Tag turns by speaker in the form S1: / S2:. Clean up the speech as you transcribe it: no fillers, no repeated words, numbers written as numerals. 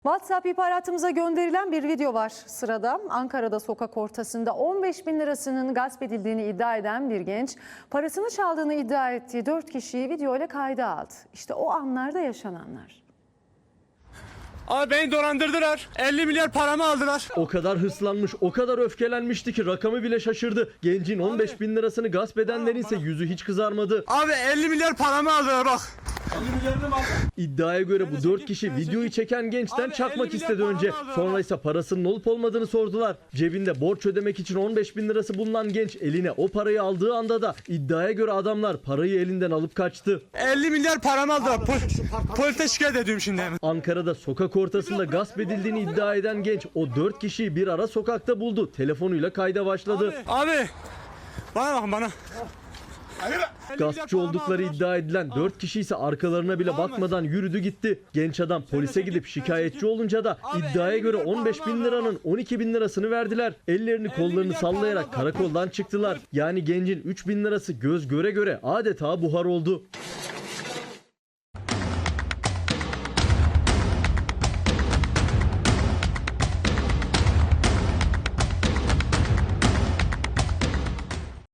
S1: WhatsApp ihbaratımıza gönderilen bir video var sırada. Ankara'da sokak ortasında 15 bin lirasının gasp edildiğini iddia eden bir genç, parasını çaldığını iddia ettiği 4 kişiyi video ile kayda aldı. İşte o anlarda yaşananlar.
S2: Abi beni dolandırdılar. 50 milyar paramı aldılar.
S3: O kadar hırslanmış, o kadar öfkelenmişti ki rakamı bile şaşırdı. Gencin 15 bin lirasını gasp edenlerin ise yüzü hiç kızarmadı.
S2: Abi 50 milyar paramı aldılar bak. 50 milyarını mı aldı?
S3: İddiaya göre bu 4 kişi videoyu çeken gençten
S2: Abi,
S3: çakmak
S2: 50
S3: istedi
S2: milyar
S3: önce.
S2: paramı aldılar.
S3: Sonra ise parasının olup olmadığını sordular. Cebinde borç ödemek için 15 bin lirası bulunan genç eline o parayı aldığı anda da iddiaya göre adamlar parayı elinden alıp kaçtı.
S2: 50 milyar paramı aldılar. Polise şikayet ediyorum şimdi hemen.
S3: Ankara'da sokak ortasında gasp edildiğini iddia eden genç o 4 kişiyi bir ara sokakta buldu. Telefonuyla kayda başladı.
S2: Abi bana bakın bana.
S3: Gaspçı oldukları iddia edilen 4 kişi ise arkalarına bile bakmadan yürüdü gitti. Genç adam polise gidip şikayetçi olunca da iddiaya göre 15 bin liranın 12 bin lirasını verdiler. Ellerini kollarını sallayarak karakoldan çıktılar. Yani gencin 3 bin lirası göz göre göre adeta buhar oldu.